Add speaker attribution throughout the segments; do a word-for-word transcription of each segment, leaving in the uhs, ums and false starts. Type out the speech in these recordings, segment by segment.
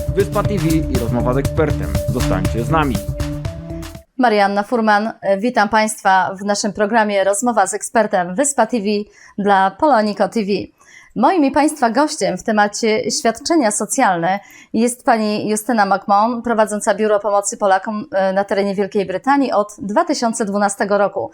Speaker 1: Wyspa T V i rozmowa z ekspertem. Zostańcie z nami.
Speaker 2: Marianna Furman, witam Państwa w naszym programie Rozmowa z ekspertem Wyspa T V dla Poloniko T V. Moim i Państwa gościem w temacie świadczenia socjalne jest pani Justyna McMahon, prowadząca Biuro Pomocy Polakom na terenie Wielkiej Brytanii od dwa tysiące dwunastego roku.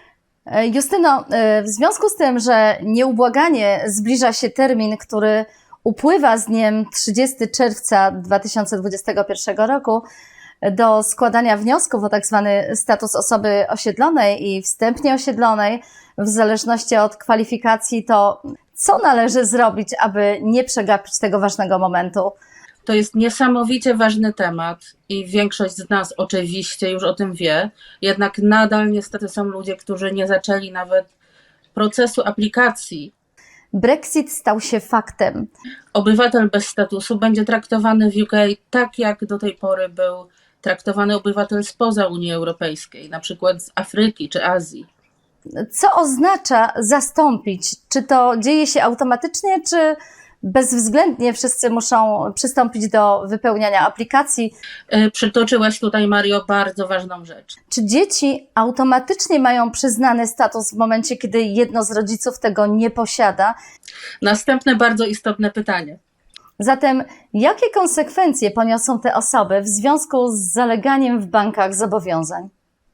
Speaker 2: Justyno, w związku z tym, że nieubłaganie zbliża się termin, który upływa z dniem trzydziestego czerwca dwa tysiące dwudziestego pierwszego roku, do składania wniosków o tak zwany status osoby osiedlonej i wstępnie osiedlonej, w zależności od kwalifikacji, to co należy zrobić, aby nie przegapić tego ważnego momentu?
Speaker 3: To jest niesamowicie ważny temat i większość z nas oczywiście już o tym wie, jednak nadal niestety są ludzie, którzy nie zaczęli nawet procesu aplikacji.
Speaker 2: Brexit stał się faktem.
Speaker 3: Obywatel bez statusu będzie traktowany w U K tak, jak do tej pory był traktowany obywatel spoza Unii Europejskiej, na przykład z Afryki czy Azji.
Speaker 2: Co oznacza zastąpić? Czy to dzieje się automatycznie, czy bezwzględnie wszyscy muszą przystąpić do wypełniania aplikacji?
Speaker 3: Przytoczyłaś tutaj, Mario, bardzo ważną rzecz.
Speaker 2: Czy dzieci automatycznie mają przyznany status w momencie, kiedy jedno z rodziców tego nie posiada?
Speaker 3: Następne bardzo istotne pytanie.
Speaker 2: Zatem jakie konsekwencje poniosą te osoby w związku z zaleganiem w bankach zobowiązań?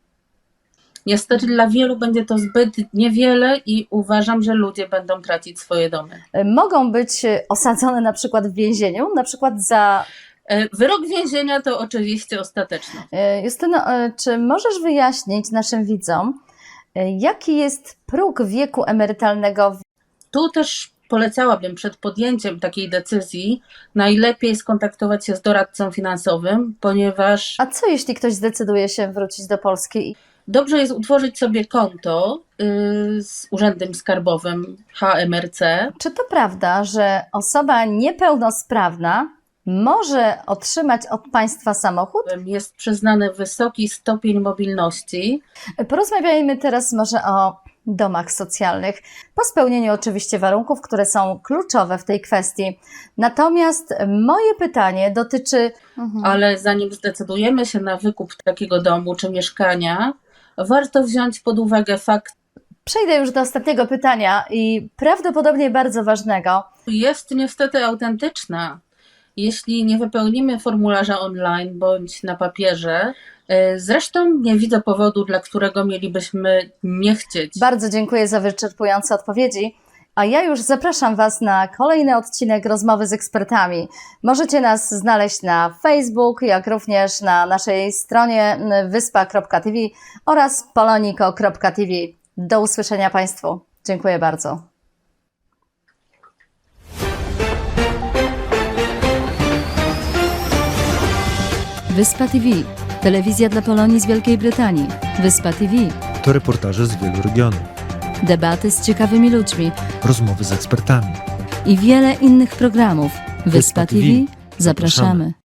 Speaker 3: Niestety dla wielu będzie to zbyt niewiele i uważam, że ludzie będą tracić swoje domy.
Speaker 2: Mogą być osadzone na przykład w więzieniu, na przykład za...
Speaker 3: Wyrok więzienia to oczywiście ostateczny.
Speaker 2: Justyno, czy możesz wyjaśnić naszym widzom, jaki jest próg wieku emerytalnego?
Speaker 3: Tu też polecałabym przed podjęciem takiej decyzji najlepiej skontaktować się z doradcą finansowym, ponieważ...
Speaker 2: A co jeśli ktoś zdecyduje się wrócić do Polski?
Speaker 3: Dobrze jest utworzyć sobie konto yy, z Urzędem Skarbowym H M R C.
Speaker 2: Czy to prawda, że osoba niepełnosprawna może otrzymać od państwa samochód?
Speaker 3: Jest przyznany wysoki stopień mobilności.
Speaker 2: Porozmawiajmy teraz może o domach socjalnych, po spełnieniu oczywiście warunków, które są kluczowe w tej kwestii. Natomiast moje pytanie dotyczy...
Speaker 3: Mhm. Ale zanim zdecydujemy się na wykup takiego domu czy mieszkania, warto wziąć pod uwagę fakt...
Speaker 2: Przejdę już do ostatniego pytania i prawdopodobnie bardzo ważnego.
Speaker 3: Jest niestety autentyczna. Jeśli nie wypełnimy formularza online bądź na papierze, zresztą nie widzę powodu, dla którego mielibyśmy nie chcieć.
Speaker 2: Bardzo dziękuję za wyczerpujące odpowiedzi, a ja już zapraszam Was na kolejny odcinek Rozmowy z ekspertami. Możecie nas znaleźć na Facebook, jak również na naszej stronie wyspa kropka t v oraz poloniko kropka t v. Do usłyszenia Państwu. Dziękuję bardzo.
Speaker 4: Wyspa T V. Telewizja dla Polonii z Wielkiej Brytanii. Wyspa T V.
Speaker 5: To reportaże z wielu regionów.
Speaker 4: Debaty z ciekawymi ludźmi.
Speaker 5: Rozmowy z ekspertami.
Speaker 4: I wiele innych programów. Wyspa,
Speaker 5: Wyspa
Speaker 4: T V.
Speaker 5: T V.
Speaker 4: Zapraszamy.